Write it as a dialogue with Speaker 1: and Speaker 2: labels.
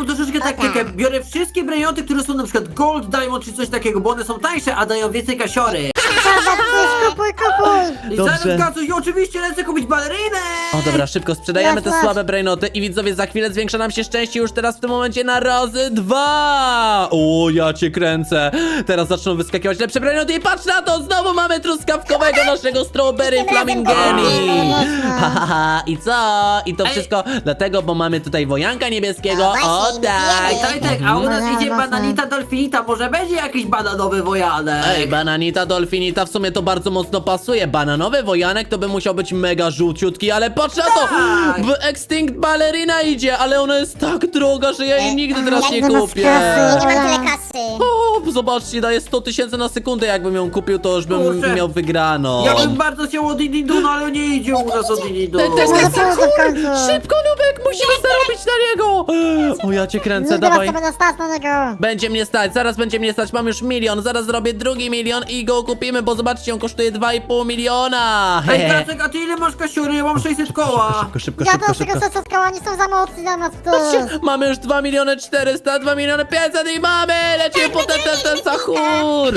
Speaker 1: mam troszeczkę taktykę. Biorę wszystkie brainoty, które są na przykład Gold, Diamond czy coś takiego, bo one są tańsze, a dają więcej kasiory.
Speaker 2: Dobra, coś kupuj.
Speaker 1: I
Speaker 3: Dobrze.
Speaker 1: zaraz Gacuś, i oczywiście lecę kupić balerynę!
Speaker 3: O dobra, szybko sprzedajemy te
Speaker 2: Masz.
Speaker 3: słabe brainoty i widzowie, za chwilę zwiększa nam się szczęście już teraz w tym momencie na razy 2. O, ja cię kręcę. Teraz zaczną wyskakiwać lepsze brainoty i patrz na to, znowu mamy truskawkowego naszego strawberry
Speaker 2: Tym razem
Speaker 3: flamingeni.
Speaker 2: tak.
Speaker 3: Haha, i co? I to wszystko dlatego, bo mamy tutaj wojanka niebieskiego.
Speaker 2: No
Speaker 3: O
Speaker 2: właśnie,
Speaker 3: tak.
Speaker 1: Tak, a u nas
Speaker 2: Mhm.
Speaker 1: idzie bananita dolfinita, może będzie jakiś bananowy wojanek?
Speaker 3: Ej, bananita, dolfinita, w sumie to bardzo mocno pasuje. Bananowy wojanek to by musiał być mega żółciutki, ale patrz na to!
Speaker 1: Tak.
Speaker 3: W Extinct Ballerina idzie, ale ona jest tak droga, że ja jej nigdy teraz nie
Speaker 2: jak do nas
Speaker 3: kupię.
Speaker 2: kasy.
Speaker 4: Nie mam tyle kasy.
Speaker 3: O, zobaczcie, daje 100 000 na sekundę. Jakbym ją kupił, to już bym
Speaker 1: Kurczę.
Speaker 3: miał wygrano.
Speaker 1: Ja bym bardzo chciał od Dinidu, no ale nie idzie u nas od Dinidu.
Speaker 3: To jest
Speaker 2: Może
Speaker 3: ten
Speaker 2: pójdę w końcu.
Speaker 3: Szybko, Nubek, musimy zarobić na niego! O, ja cię kręcę,
Speaker 2: No teraz
Speaker 3: dawaj.
Speaker 2: to będę stać na niego.
Speaker 3: Będzie mnie stać, zaraz będzie mnie stać, mam już 1 milion, zaraz zrobię drugi milion i go kupimy, bo zobaczcie, on kosztuje 2,5 miliona.
Speaker 1: Ej, Gacek, a ty ile masz kasiory? Ja mam 600 koła.
Speaker 3: Szybko, szybko,
Speaker 2: Ja
Speaker 3: szybko,
Speaker 2: też tego
Speaker 3: szybko.
Speaker 2: sesetka, oni są za mocni dla nas tu.
Speaker 3: Patrzcie, mamy już 2 miliony 400, 2 miliony 500 i mamy! Lecimy po ten sahur!